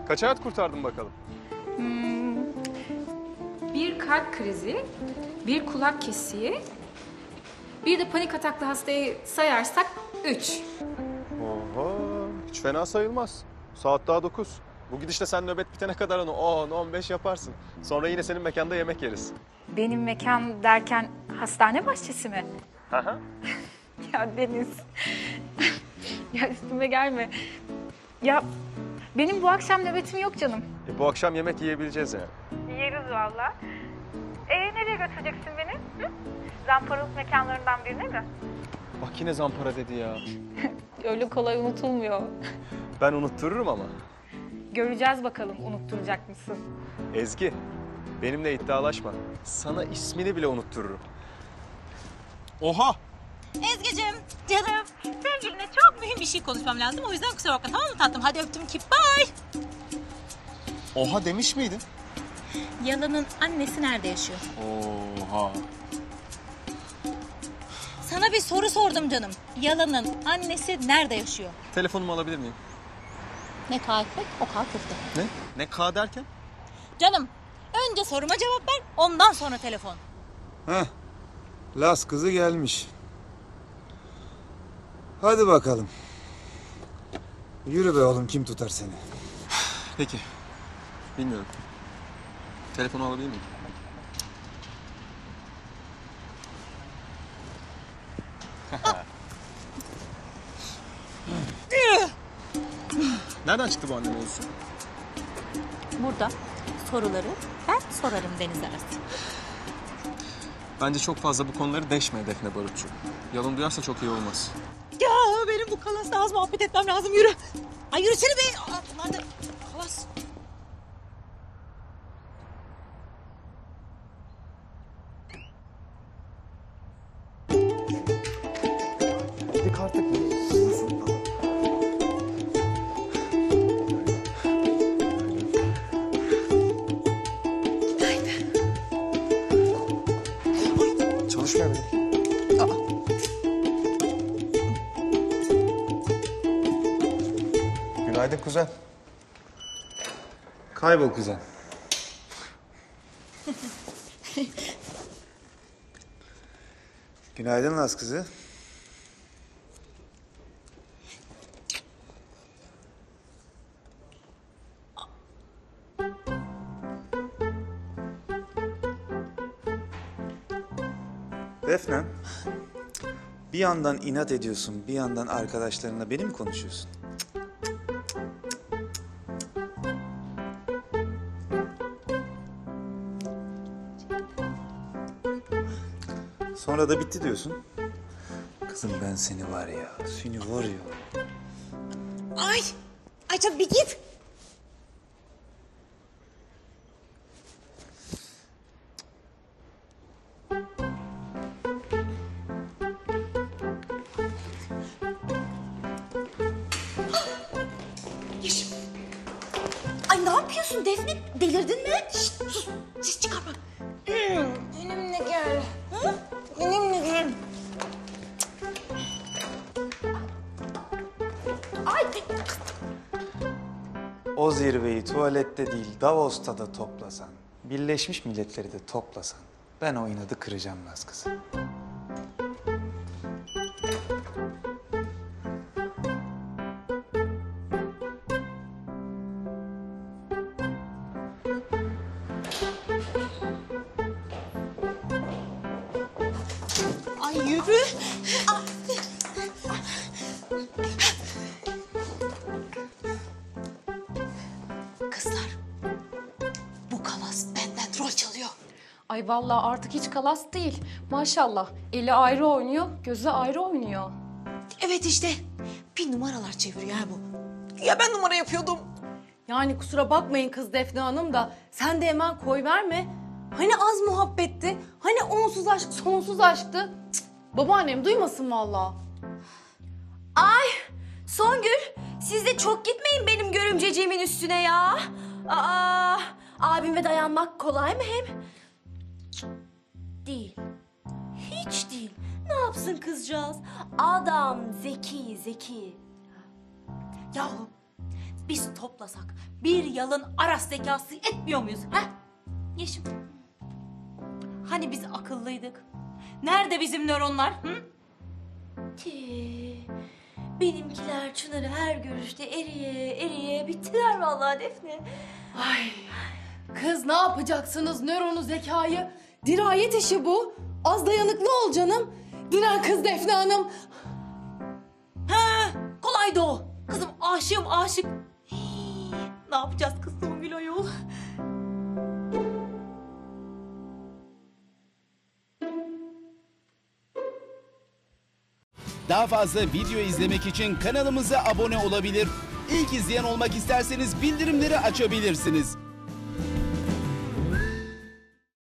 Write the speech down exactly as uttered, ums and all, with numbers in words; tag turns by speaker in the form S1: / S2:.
S1: Kaç hayat kurtardın bakalım?
S2: Hmm, bir kalp krizi, bir kulak kesiği, bir de panik ataklı hastayı sayarsak üç.
S1: Oho, hiç fena sayılmaz. Saat daha dokuz. Bu gidişle sen nöbet bitene kadar onu on on beş yaparsın. Sonra yine senin mekanda yemek yeriz.
S2: Benim mekan derken hastane bahçesi mi?
S1: Hı hı.
S2: Ya Deniz, ya üstüme gelme. Ya benim bu akşam nöbetim yok canım.
S1: E, bu akşam yemek yiyebileceğiz yani.
S2: Yeriz valla. Ee nereye götüreceksin beni? Hı? Zamparalık mekanlarından birine mi?
S1: Bak yine zampara dedi ya.
S2: Öyle kolay unutulmuyor.
S1: Ben unuttururum ama.
S2: Göreceğiz bakalım unutturacak mısın?
S1: Ezgi, benimle iddialaşma. Sana ismini bile unuttururum. Oha!
S3: Ezgi'cim, canım. Sevgiline çok mühim bir şey konuşmam lazım. O yüzden kusura bakma, tamam mı tatlım? Hadi öptüm ki bye.
S1: Oha demiş miydin?
S3: Yalan'ın annesi nerede yaşıyor?
S1: Oha.
S3: Sana bir soru sordum canım. Yalan'ın annesi nerede yaşıyor?
S1: Telefonumu alabilir miyim?
S3: Ne K ekmek, o K köfte.
S1: Ne? Ne K derken?
S3: Canım, önce soruma cevap ver, ondan sonra telefon.
S4: Heh, Las kızı gelmiş. Hadi bakalım. Yürü be oğlum, kim tutar seni?
S1: Peki. Bilmiyorum. Telefonu alabilir miyim? Nereden çıktı bu anne mevzusu?
S3: Burada soruları ben sorarım Deniz arası.
S1: Bence çok fazla bu konuları deşme Defne Barutçu. Yalan duyarsa çok iyi olmaz.
S3: Ya benim bu kalasla az muhabbet etmem lazım, yürü. Ay yürüsene be. Aa, bunlar da kalas.
S1: Dik artık. Çalışmıyor benim. Günaydın kuzen.
S4: Kaybol kuzen. Günaydın Las kızı. Defne, bir yandan inat ediyorsun, bir yandan arkadaşlarınla beni mi konuşuyorsun? Sonra da bitti diyorsun. Kızım ben seni var ya, seni var ya.
S3: Ay, ay canım bir git. Yeşim. Ay ne yapıyorsun Defne? Delirdin mi? Şişt, sus, ses çıkarma. Hmm, benimle gel. Hı? Benimle gel. Ay.
S4: O zirveyi tuvalette değil, Davos'ta da toplasan, Birleşmiş Milletleri de toplasan, ben o inadı kıracağım Las kızı.
S3: Ay yürü. Ah. Kızlar, bu kalas benden rol çalıyor.
S5: Ay vallahi artık hiç kalas değil. Maşallah. Eli ayrı oynuyor, gözü ayrı oynuyor.
S3: Evet işte, bir numaralar çeviriyor ha bu. Ya ben numara yapıyordum.
S6: Yani kusura bakmayın kız Defne Hanım da sen de hemen koy verme. Hani az muhabbetti, hani onsuz aşk, sonsuz aşktı. Cık, babaannem duymasın vallahi.
S7: Ay Songül, siz de çok gitmeyin benim görümceciğimin üstüne ya. Aa, abime dayanmak kolay mı hem? Değil. Hiç değil. Ne yapsın kızcağız? Adam zeki zeki.
S3: Yahu biz toplasak bir yalın Aras zekası etmiyor muyuz? Ha? Yeşim. Hani biz akıllıydık? Nerede bizim nöronlar? Hı?
S7: Ki benimkiler Çınar'ı her görüşte eriye eriye bittiler vallahi Defne.
S6: Ay kız ne yapacaksınız nöronu zekayı? Dirayet işi bu. Az dayanıklı ol canım. Diren kız Defne Hanım.
S3: Ha, kolaydı o. Kızım aşığım aşık. Hii, ne yapacağız kız Songül ayol?
S8: Daha fazla video izlemek için kanalımıza abone olabilir. İlk izleyen olmak isterseniz bildirimleri açabilirsiniz.